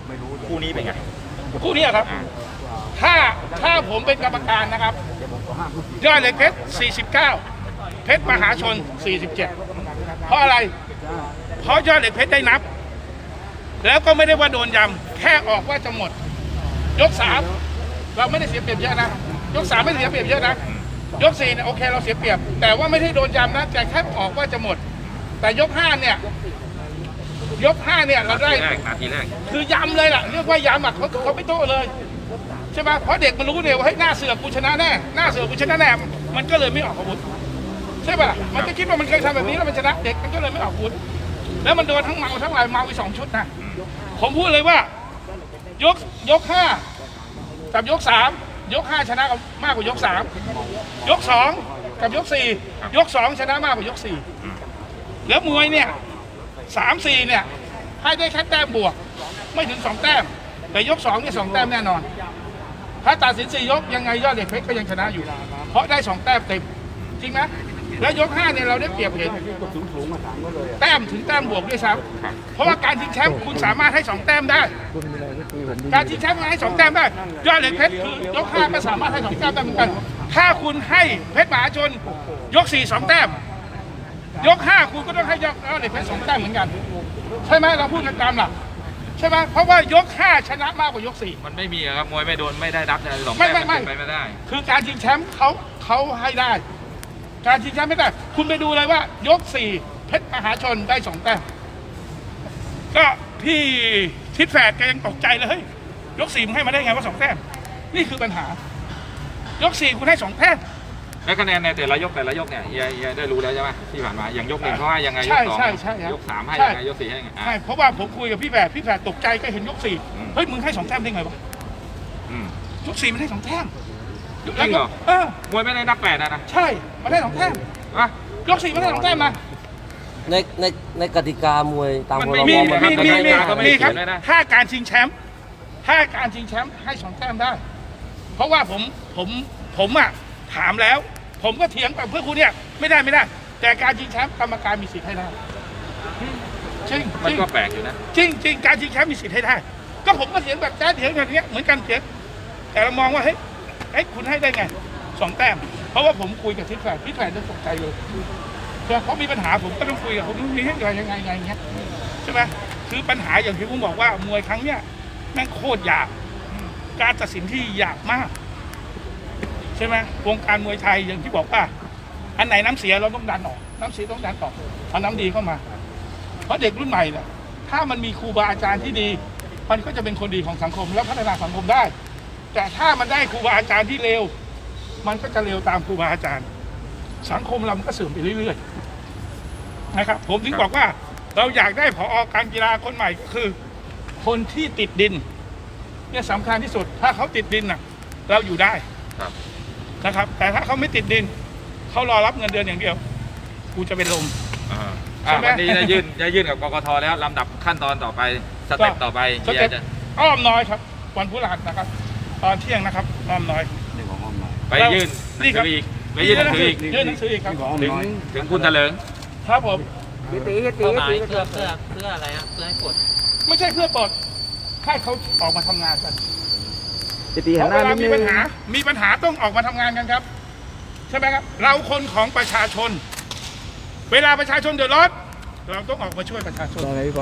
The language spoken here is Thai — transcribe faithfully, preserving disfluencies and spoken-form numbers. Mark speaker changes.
Speaker 1: คู่นี้เป็นไง
Speaker 2: คู่นี้ครับถ้าถ้าผมเป็นกรรมการนะครับยอดเหล็กเพชรสี่สิบเก้าเพชรมหาชนสี่สิบเจ็ดเพราะอะไรเพราะยอดเหล็กเพชรได้นับแล้วก็ไม่ได้ว่าโดนยำแค่ออกว่าจะหมดยกสามเราไม่ได้เสียเปรียบเยอะนะยกสามไม่ได้เสียเปรียบเยอะนะยกสี่เนี่ยโอเคเราเสียเปรียบแต่ว่าไม่ได้โดนยำนะแต่แค่ออกว่าจะหมดแต่ยกห้าเนี่ยยกห้าเนี่ยเราได้
Speaker 1: นาทีแรก
Speaker 2: คือยำเลยล่ะเรียกว่ายำอ่ะเขาเขาไม่โต้เลยใช่ไหมเพราะเด็กมันรู้เลยว่าเฮ้ยหน้าเสือกกูชนะแน่หน้าเสือกกูชนะแน่มันก็เลยไม่ออกอาวุธใช่ป่ะมันก็คิดว่ามันเคยทำแบบนี้แล้วมันชนะเด็กมันก็เลยไม่ออกอาวุธแล้วมันโดนทั้งเมาทั้งอะไรเมาไปสองชุดนะผมพูดเลยว่ายกยกห้ากับยกสามยกห้าชนะมากกว่ายกสามยกสองกับยกสี่ยกสองชนะมากกว่ายกสี่แล้วมวยเนี่ยสามสี่เนี่ยให้ได้แค่แต้มบวกไม่ถึงสองแต้มแต่ยกสองเนี่ยสองแต้มแน่นอนถ้าตัดสินสี่ยกยังไงยอดเหล็กเพชรก็ยังชนะอยู่เพราะได้สองแต้มเต็มจริงไหมแล้วยกห้าเนี่ยเราได้เปรียบเห็นแต้มถึงแต้มบวกด้วยซ้ำเพราะว่าการชิงแชมป์คุณสามารถให้สองแต้มได้การชิงแชมป์ให้สองแต้มได้ยอดเหล็กเพชรคือยกห้าก็สามารถให้สองแต้มได้เหมือนกันถ้าคุณให้เพชรมหาชนยกสี่สองแต้มยกห้าคุณก็ต้องให้ยอดเหล็กเพชรสองแต้มเหมือนกันใช่ไหมเราพูดกันตามหลักใช่ไหมเพราะว่ายกห้าชนะมากกว่ายกสี่
Speaker 1: มันไม่มีครับมวยไม่โดนไม่ได้รับสองแต้
Speaker 2: ไม่
Speaker 1: ม
Speaker 2: ไม่ไม่
Speaker 1: ไปไม่ได้
Speaker 2: คือการชิงแชมป์เขาเขาให้ได้การชิงแชมป์ไม่ได้คุณไปดูเลยว่ายกสี่เพชรมหาชนได้สองแต้มก็พี่ทิศแฝดแกยังตกใจเลยเฮ้ยยกสี่มึงให้มาได้ไงว่าสองแต้มนี่คือปัญหายกสี่คุณให้สองแต้ม
Speaker 1: แล้วคะแนนในแต่ละยกแต่ละยกเนี่ยเฮียเฮียได้รู้แล้วใช่ไหมที่ผ่านมาอย่างยกหนึ่งเขาให้ยังไงยกสองยกสามให้ยังไงยกสี่ให้ยังไง
Speaker 2: ใช่เพราะว่าผมคุยกับพี่แฝดพี่แฝดตกใจก็เห็นยกสี่เฮ้ยมึงให้สองแต้มได้ไงวะยกสี่มันให้สองแต้ม
Speaker 1: จริงเหรอ
Speaker 2: เออ
Speaker 1: มวยไม่ได้นับแปดนะนะ
Speaker 2: ใช่มันได้สองแต้ม
Speaker 1: อะ
Speaker 2: ยกสี่มันได้สองแต้มมา
Speaker 3: ในในในกติกามวยตามพรบ
Speaker 2: มี
Speaker 3: มัน
Speaker 2: มีมีมีมีครับ
Speaker 1: เลยนะ
Speaker 2: ถ้าการชิงแชมป์ถ้าการชิงแชมป์ให้สองแต้มได้เพราะว่าผมผมผมอ่ะถามแล้วผมก็เถียงกับเพื่อนคุณเนี่ยไม่ได้ไม่ได้แต่การชิงแชมป์กรรมการมีสิทธิ์ให้ได้จริง
Speaker 1: มันก็แปลกอยู่นะ
Speaker 2: จริงจริงการชิงแชมป์มีสิทธิ์ให้ได้ก็ผมก็เถียงแบบแจ๊ดเถียงแบบนี้เหมือนกันเถียงแต่เรามองว่าเฮ้ยเฮ้ยคุณให้ได้ไงสองแต้มเพราะว่าผมคุยกับทิศแฝดทิศแฝดจะตกใจเลยเพราะมีปัญหาผมก็ต้องคุยกับผมมีให้ยังไงยังไงอย่างเงี้ยใช่ไหมคือปัญหาอย่างที่ผมบอกว่ามวยครั้งเนี้ยแม่งโคตรยากการตัดสินที่ยากมากใช่ไหมวงการมวยไทยอย่างที่บอกว่าอันไหนน้ำเสียเราต้องดันออกน้ำเสียต้องดันออกเอาน้ำดีเข้ามาเพราะเด็กรุ่นใหม่เนี่ยถ้ามันมีครูบาอาจารย์ที่ดีมันก็จะเป็นคนดีของสังคมและพัฒนาสังคมได้แต่ถ้ามันได้ครูบาอาจารย์ที่เลวมันก็จะเลวตามครูบาอาจารย์สังคมเรามันก็เสื่อมไปเรื่อยๆนะครับผมถึงบอกว่าเราอยากได้ผอ.การกีฬาคนใหม่ก็คือคนที่ติดดินเนี่ยสำคัญที่สุดถ้าเขาติดดินน่ะเราอยู่ได้นะครับแต่ถ้าเขาไม่ติดดินเขารอรับเงินเดือนอย่างเดียวกูจะเป็นลม
Speaker 1: วันนี้จะยื่นจะยื่นกับกกท.แล้วลำดับขั้นตอนต่อไปสเต็ปต่อไป
Speaker 2: เฮียจะอ้อมน้อยครับวันพฤหัสนะครับตอนเที่ยงนะครับอ้อมน้อย
Speaker 1: ไปยื่นหนังสืออีกไปยื่นหนังสืออีก
Speaker 2: ยื่นหนังสืออีกครับ
Speaker 1: ถึงถึงคุณเถลิง
Speaker 2: ครับผม
Speaker 4: ตีตีตีเพื่อเพื่อเพื่ออะไรครับเพื่อให้ปลด
Speaker 2: ไม่ใช่เพื่อปลดให้เขาออกมาทำงานกันเพราะเวลามีปัญหามีปัญหาต้องออกมาทำงานกันครับใช่ไหมครับเราคนของประชาชนเวลาประชาชนเดือดร้อนเราต้องออกมาช่วยประชาชน